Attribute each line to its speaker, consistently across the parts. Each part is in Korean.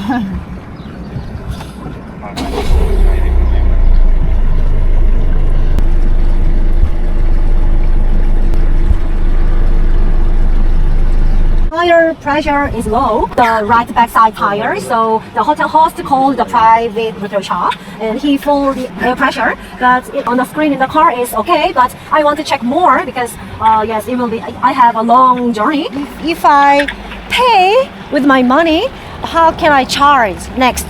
Speaker 1: Tire pressure is low, the right backside tire, so the hotel host called the private repair shop and he filled the air pressure, but on the screen in the car is okay, but I want to check more because yes, it will be, I have a long journey. If I pay with my money, how can I charge next?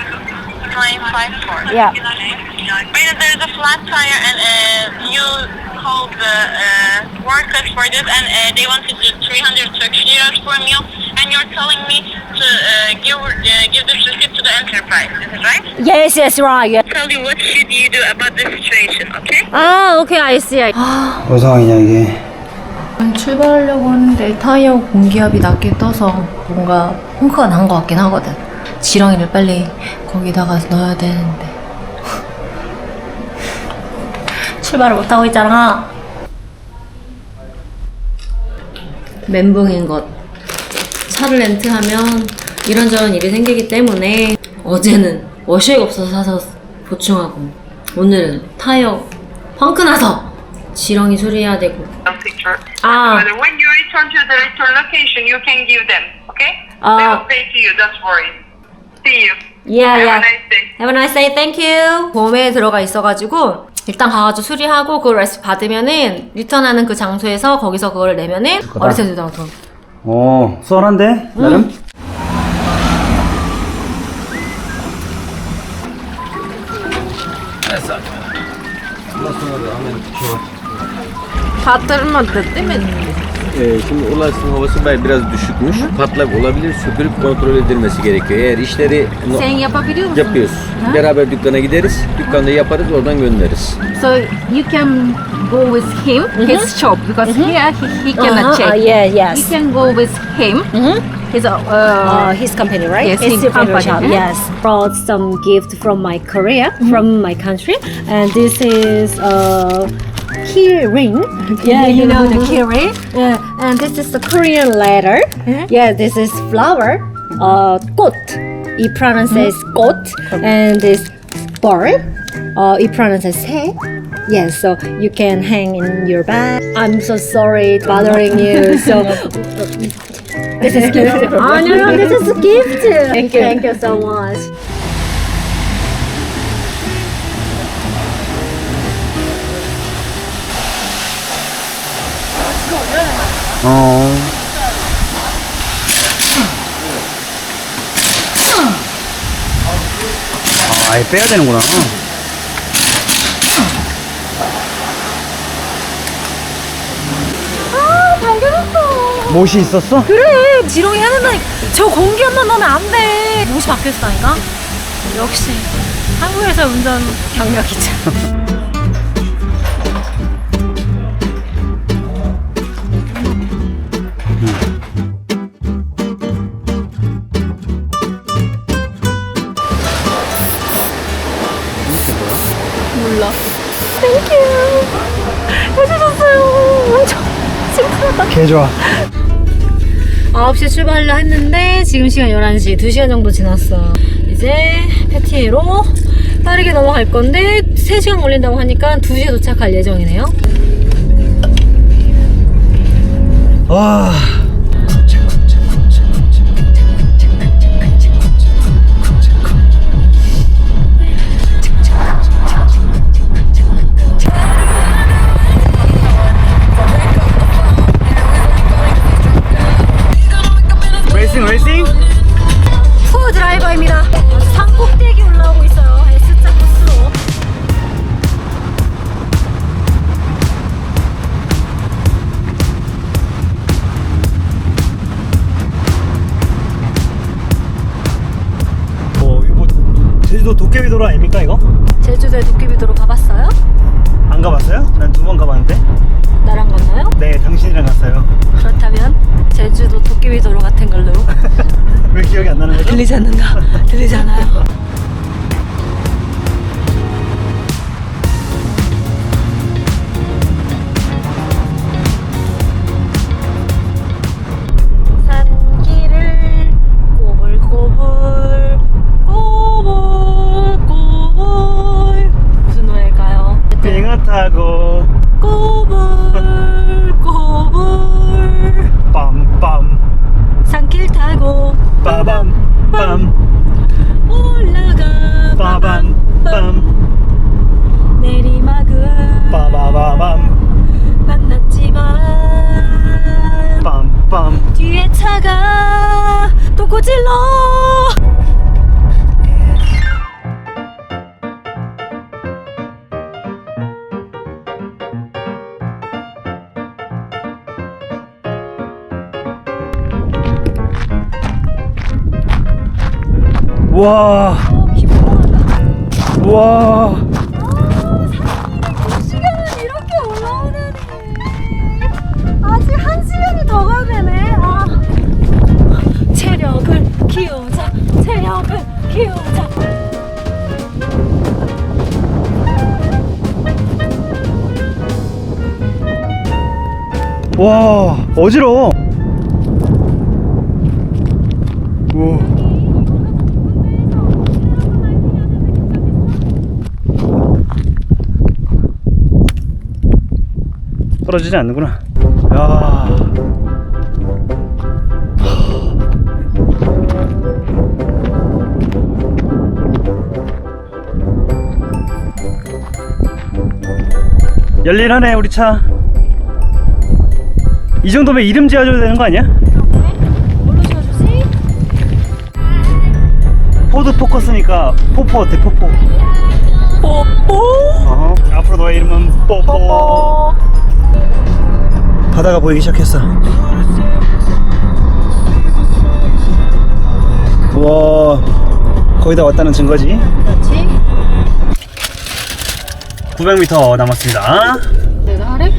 Speaker 2: 954.
Speaker 1: Yeah.
Speaker 2: There's a flat tire and you called the workers for this and they wanted to 300 Turkish liras for a meal and you're telling me to give this receipt to the enterprise, is it right?
Speaker 1: Yes, right. Yeah.
Speaker 2: Tell you what should you do about this situation, okay?
Speaker 1: Okay, I see.
Speaker 3: 뭔 상황이냐 이게.
Speaker 4: 출발하려고 하는데 타이어 공기압이 낮게 떠서 뭔가 펑크가 난 것 같긴 하거든. 지렁이를 빨리 거기다가 넣어야 되는데 출발을 못하고 있잖아. 멘붕인 것. 차를 렌트하면 이런저런 일이 생기기 때문에 어제는 워셔액 없어서 사서 보충하고 오늘은 타이어 펑크 나서 지렁이 수리해야 되고.
Speaker 2: Picture.
Speaker 4: Ah.
Speaker 2: When you return to the return location, you can give them, okay?
Speaker 4: Ah.
Speaker 2: They will pay to you, don't worry. See you.
Speaker 4: Yeah,
Speaker 2: Have
Speaker 4: yeah.
Speaker 2: a nice day.
Speaker 4: Have a nice day. Thank you. 보험에 들어가 있어가지고 일단 가가지고 수리하고 그걸 레시피 받으면은 리턴하는 그 장소에서 거기서 그걸 내면은 어리세 주더라고 돈.
Speaker 3: 썰한데 나름.
Speaker 4: Batırmadı değil mi?
Speaker 5: Şimdi ulaşım havası biraz düşükmüş. Patlak olabilir. Sökülüp kontrol edilmesi gerekiyor. Eğer işleri
Speaker 4: Sen yapabiliyor musun?
Speaker 5: yapıyoruz. Beraber dükkana gideriz. Dükkanda yaparız, oradan göndeririz.
Speaker 6: So you can go with him, his shop, because here he cannot check.
Speaker 1: Yes.
Speaker 6: You can go with him.
Speaker 1: His company, right?
Speaker 6: Yes,
Speaker 1: His
Speaker 6: his company.
Speaker 1: shop. Yes. Brought some gift from my Korea, from my country, and this is key ring. Yeah, you know the key ring. Yeah, and this is the Korean letter. Yeah, this is flower. 꽃. It pronounces 꽃, and this bird. It pronounces 새. Yes, so you can hang in your bag. I'm so sorry bothering you. So this is gift. Oh no, this is a gift. Thank you so much.
Speaker 3: 아예 빼야 되는구나.
Speaker 1: 당겨졌어.
Speaker 3: 못이 있었어?
Speaker 1: 그래, 지렁이 하는 날 저 공기압만 넣으면 안 돼. 못이 바뀌었다니까. 역시 한국에서 운전 경력이죠. 몰라. 땡큐. 해주셨어요. 엄청 칭찬하다.
Speaker 3: 개 좋아.
Speaker 4: 9시에 출발을 했는데 지금 시간 11시 2시간 정도 지났어. 이제 패티에로 빠르게 넘어갈 건데 3시간 걸린다고 하니까 2시에 도착할 예정이네요.
Speaker 3: 와. 레이싱?
Speaker 1: 푸 드라이버입니다. 산 꼭대기 올라오고 있어요. S자 코스로.
Speaker 3: 이거 뭐 제주도 도깨비도로 아닙니까 이거?
Speaker 1: 제주도에 도깨비도로 가봤어요?
Speaker 3: 안 가봤어요? 난 2번 가봤는데.
Speaker 1: 나랑 갔나요?
Speaker 3: 네, 당신이랑 갔어요.
Speaker 1: 그렇다면 제주도 도깨비도로 같은 걸로.
Speaker 3: 왜 기억이 안 나는 거죠?
Speaker 1: 들리지 않는가? 들리지 않아요? 산길을 꼬불꼬불
Speaker 3: 빠밤 빰
Speaker 4: 올라가
Speaker 3: 빠밤 빰
Speaker 4: 내리막은
Speaker 3: 빠바바밤
Speaker 4: 만났지만
Speaker 3: 빰빰
Speaker 4: 뒤에 차가 또 고질러.
Speaker 3: 와 와.
Speaker 4: 시간은 이렇게 올라오다니. 아직 1시간이 더 가야 되네. 아. 체력을 키우자. 체력을 키우자.
Speaker 3: 와 어지러워. 우와. 떨어지지 않는구나. 야. 열일하네 우리 차. 이 정도면 이름 지어줘야 되는 거 아니야?
Speaker 4: 뭘로 지어주지?
Speaker 3: 포드 포커스니까 포포 어때? 포포.
Speaker 4: 뽀뽀.
Speaker 3: 앞으로 너의 이름은 뽀뽀. 바다가 보이기 시작했어. 와 거의 다 왔다는 증거지.
Speaker 4: 그렇지.
Speaker 3: 900m 남았습니다.
Speaker 4: 내가 하래?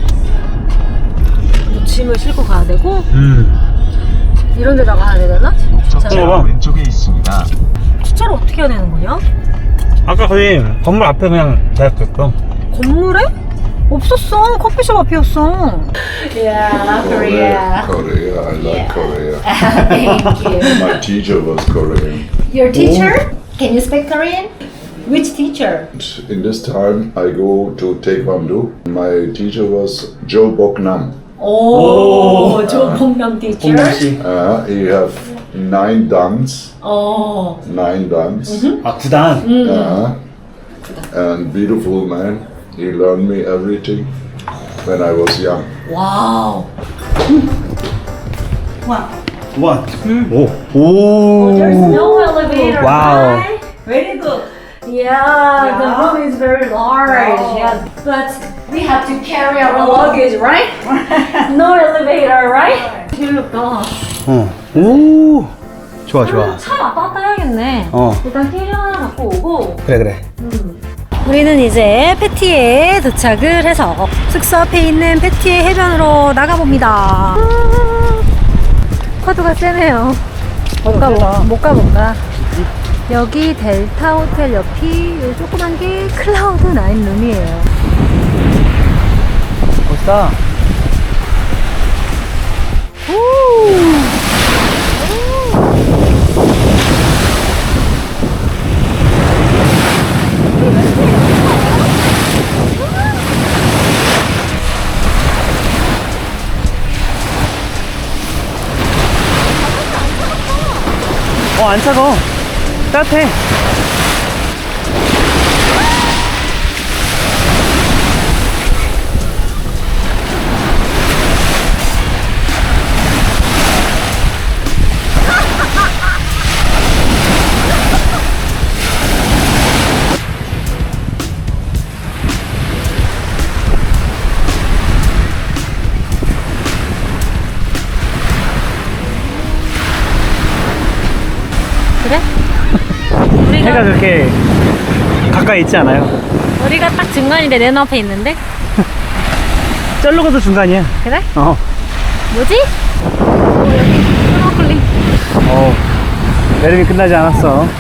Speaker 4: 뭐 짐을 싣고 가야 되고 이런 데다가 가야 되나?
Speaker 3: 봐봐.
Speaker 7: 왼쪽에 있습니다.
Speaker 4: 주차를 어떻게 해야 되는 거냐?
Speaker 3: 아까 거기 건물 앞에 그냥 대학교였어.
Speaker 4: 건물에? 없었어. 커피숍 앞이었어.
Speaker 1: Yeah, Korea.
Speaker 7: Korea, I like Korea.
Speaker 1: Thank you.
Speaker 7: My teacher was Korean.
Speaker 1: Your teacher? Can you speak Korean? Which teacher?
Speaker 7: In this time, I go to Taekwondo. My teacher was Joe Boknam.
Speaker 1: Oh, 조봉남 teacher.
Speaker 3: 홍남씨.
Speaker 7: He have 9 dans.
Speaker 1: Oh.
Speaker 7: 9 dans.
Speaker 3: 아 9단.
Speaker 7: And beautiful man. He learned me everything when I was young.
Speaker 1: Wow.
Speaker 3: 원. 오. 오.
Speaker 1: There's no elevator.
Speaker 3: Wow.
Speaker 1: Right? Very good. Yeah, the room is very large. Yeah, but we have to carry our luggage, right? No elevator, right? 재밌다.
Speaker 3: 오. 좋아 좋아.
Speaker 4: 차 왔다 갔다 해야겠네. 일단 캐리 하나 갖고 오고.
Speaker 3: 그래.
Speaker 4: 우리는 이제 패티에 도착을 해서 숙소 앞에 있는 패티의 해변으로 나가봅니다. 파도가 세네요. 못 가볼까? 여기 델타 호텔 옆이 요 조그만 게 클라우드 나인 룸이에요.
Speaker 3: 멋있다. 안 차가워. 따뜻해.
Speaker 4: 그래?
Speaker 3: 해가 그렇게 가까이 있지 않아요.
Speaker 4: 우리가 딱 중간인데 내 눈앞에 있는데?
Speaker 3: 쩔로 가도 중간이야.
Speaker 4: 그래? 뭐지? 여기 스노클링.
Speaker 3: 여름이 끝나지 않았어.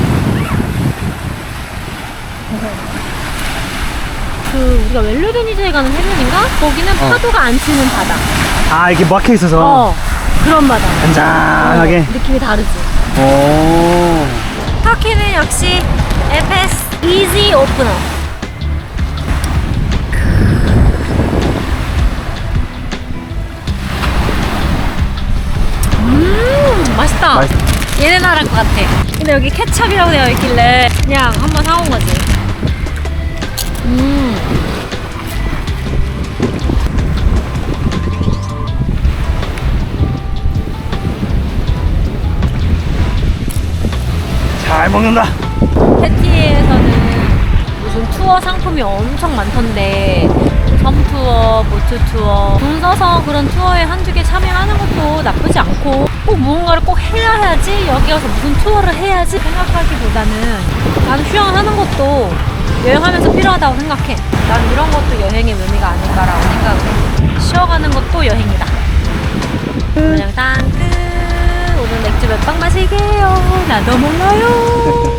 Speaker 4: 우리가 웰로데니즈에 가는 해변인가? 거기는 파도가 안 치는 바다.
Speaker 3: 아 이렇게 막혀 있어서
Speaker 4: 그런 바다.
Speaker 3: 잔잔하게.
Speaker 4: 느낌이 다르지.
Speaker 3: 오.
Speaker 4: 터키는 역시 에페스 이지 오프너. 맛있다. 얘네 나라 것 같아. 근데 여기 케첩이라고 되어 있길래 그냥 한번 사온 거지.
Speaker 3: 잘 먹는다.
Speaker 4: 패티에서는 무슨 투어 상품이 엄청 많던데 섬 투어, 보트 투어 돈 써서 그런 투어에 한두 개 참여하는 것도 나쁘지 않고 꼭 무언가를 꼭 해야지 여기 와서 무슨 투어를 해야지 생각하기보다는 나는 휴양하는 것도 여행하면서 필요하다고 생각해. 난 이런 것도 여행의 묘미가 아닐까라고 생각을 해. 쉬어가는 것도 여행이다. 그냥 땅 끝. 오늘 맥주 몇 병 마실게요. 나도 몰라요.